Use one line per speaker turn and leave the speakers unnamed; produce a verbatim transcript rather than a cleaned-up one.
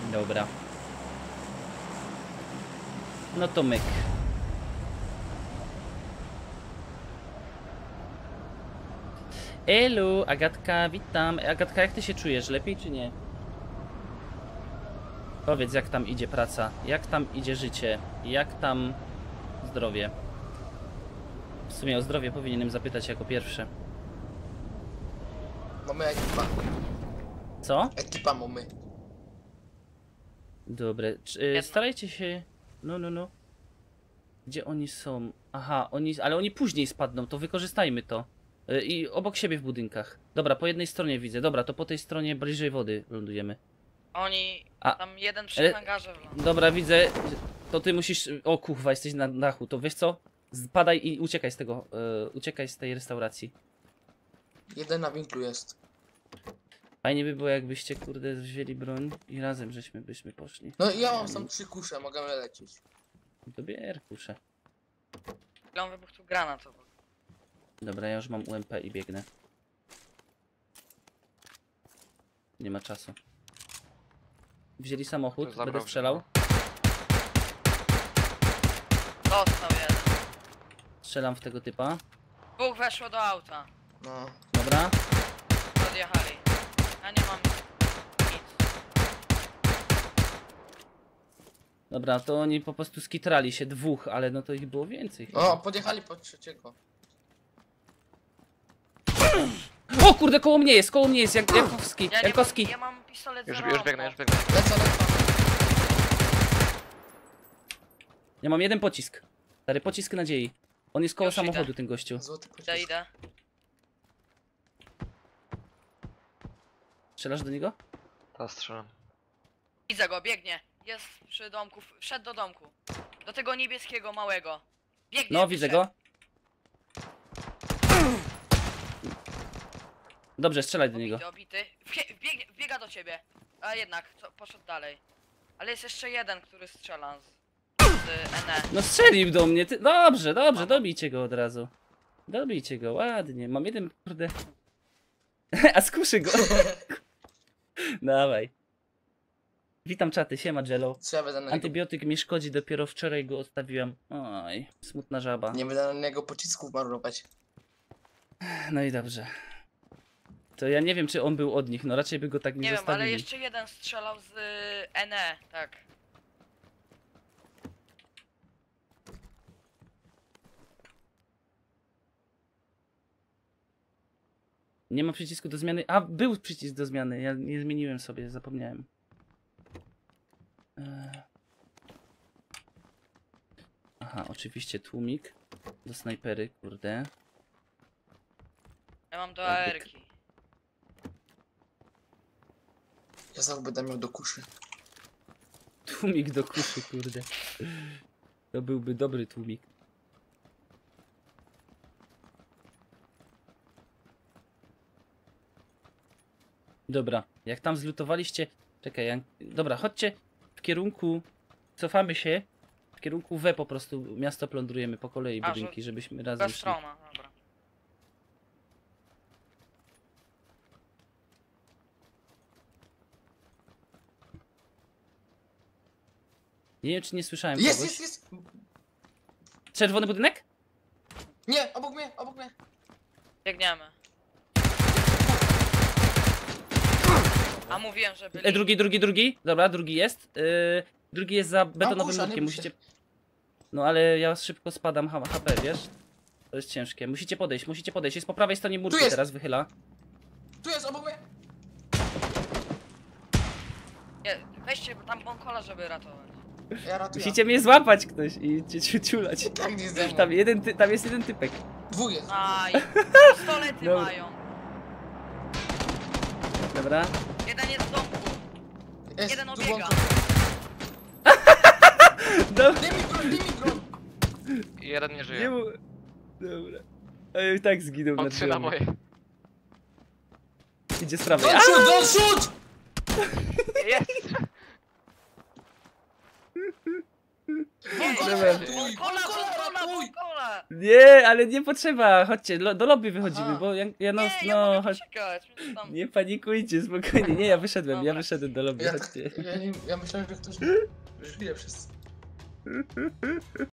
Dobra. No to myk. Elu, Agatka, witam. Agatka, jak ty się czujesz? Lepiej czy nie? Powiedz, jak tam idzie praca, jak tam idzie życie, jak tam zdrowie. W sumie o zdrowie powinienem zapytać jako pierwsze.
Mamy ekipa.
Co?
Ekipa mamy.
Dobre. Czy, y, starajcie się... No, no, no. Gdzie oni są? Aha, oni... Ale oni później spadną, to wykorzystajmy to. Y, I obok siebie w budynkach. Dobra, po jednej stronie widzę. Dobra, to po tej stronie bliżej wody lądujemy.
Oni...
A,
tam jeden przy
ale-
hangarze wlądł.
Dobra, widzę. To ty musisz... O kuchwa, jesteś na dachu. To wiesz co? Spadaj i uciekaj z tego. y, Uciekaj z tej restauracji.
Jeden na winklu jest.
Fajnie by było, jakbyście, kurde, wzięli broń i razem żeśmy byśmy poszli.
No i ja mam tam trzy kusze, możemy lecieć.
To bier, kuszę.
Chwilą wybuchł tu granat obok.
Dobra, ja już mam U M P i biegnę. Nie ma czasu. Wzięli samochód,
Zabrał
będę
się,
strzelał.
Dostał jeden.
Strzelam w tego typa.
Dwóch weszło do auta.
No.
Dobra.
Odjechali. Ja nie mam nic.
Dobra, to oni po prostu skitrali się dwóch, ale no to ich było więcej.
O, podjechali pod trzeciego.
O kurde, koło mnie jest, koło mnie jest, jak Jankowski,
Ja nie mam,
Jankowski.
ja mam pistolet
Już,
zero
już
ammo.
biegnę, już biegnę.
Lecę, lecę.
Ja mam jeden pocisk. Stary, pocisk nadziei. On jest koło
Już idę.
samochodu, ten gościu.
Złoty pocisk.
Idę, idę.
Strzelasz do niego?
Teraz strzelam.
Widzę go, biegnie. Jest przy domku, wszedł do domku. Do tego niebieskiego małego. Biegnie,
No, widzę
wyszedł.
go. Dobrze, strzelaj do niego.
Obity, obity. Wbie- Wbiegnie, wbiega do ciebie. A jednak, co, poszedł dalej. Ale jest jeszcze jeden, który strzela z, z N E.
No strzelił do mnie, ty... Dobrze, dobrze, dobijcie go od razu. Dobijcie go, ładnie. Mam jeden, kurde... A skuszy go. Dawaj. Witam czaty, siema Jello.
Co ja będę na niego...
Antybiotyk mi szkodzi, dopiero wczoraj go odstawiłem. Oj, smutna żaba.
Nie będę na niego pocisków marurować.
No i dobrze. To ja nie wiem, czy on był od nich, no raczej by go tak nie,
Nie wiem,
zostawili.
ale jeszcze jeden strzelał z y, N E, tak.
Nie ma przycisku do zmiany. A, był przycisk do zmiany. Ja nie zmieniłem sobie, zapomniałem. Eee. Aha, oczywiście tłumik do snajpery, kurde.
Ja mam do
Jakby-
A R ki.
Ja znowu będę miał do kuszy.
Tłumik do kuszy, kurde. To byłby dobry tłumik. Dobra, jak tam zlutowaliście... Czekaj, ja... dobra, chodźcie w kierunku... Cofamy się. W kierunku W po prostu miasto plądrujemy po kolei
A,
budynki,
że-
żebyśmy razem
Bez
szli.
stroma, dobra.
Nie wiem, czy nie słyszałem
Jest,
kogoś.
jest, jest!
Czerwony budynek?
Nie, obok mnie, obok mnie.
Biegniemy. A mówiłem, że byli...
E, drugi, drugi, drugi. Dobra, drugi jest. Yy, drugi jest za betonowym
kusza, nie
murkiem,
bój się.
musicie... No ale ja szybko spadam H P, wiesz? To jest ciężkie. Musicie podejść, musicie podejść. Jest po prawej stronie murku,
jest.
teraz wychyla.
Tu jest, obok mnie.
Nie, weźcie tam bąkola, żeby ratować.
Ja ratuję.
Musicie mnie złapać ktoś i cię ciu- ciulać.
Tak nie ze mną.
Tam, jeden ty, tam jest jeden typek.
Dwóch jest.
Aj, pistolety
Dobra.
mają.
Dobra.
Jeden jest w domku.
Jest,
Jeden
tu
obiega.
włączam.
Dobra.
Daj mi broń, daj mi broń.
I jeden nie
Nie
żyje.
mu... Dobra. A ja i tak zginął
On
na
trzy na
drzwiami.
moje.
Idzie z prawej.
Don't shoot, don't shoot!
Jest!
Nie,
Bąkola
Dobra.
ratuj,
Bąkola,
bąkola
bąkola,
ratuj!
bąkola!
Nie, ale nie potrzeba, chodźcie, lo, do lobby wychodzimy,
Aha.
bo ja, ja no,
Nie, ja
no,
mogę
chodź.
poczekać. mnie tam-
Nie panikujcie, spokojnie, nie, ja wyszedłem, ja
Dobra.
wyszedłem do lobby,
Ja,
chodźcie.
ja, nie, ja myślałem, że ktoś żyje wszyscy.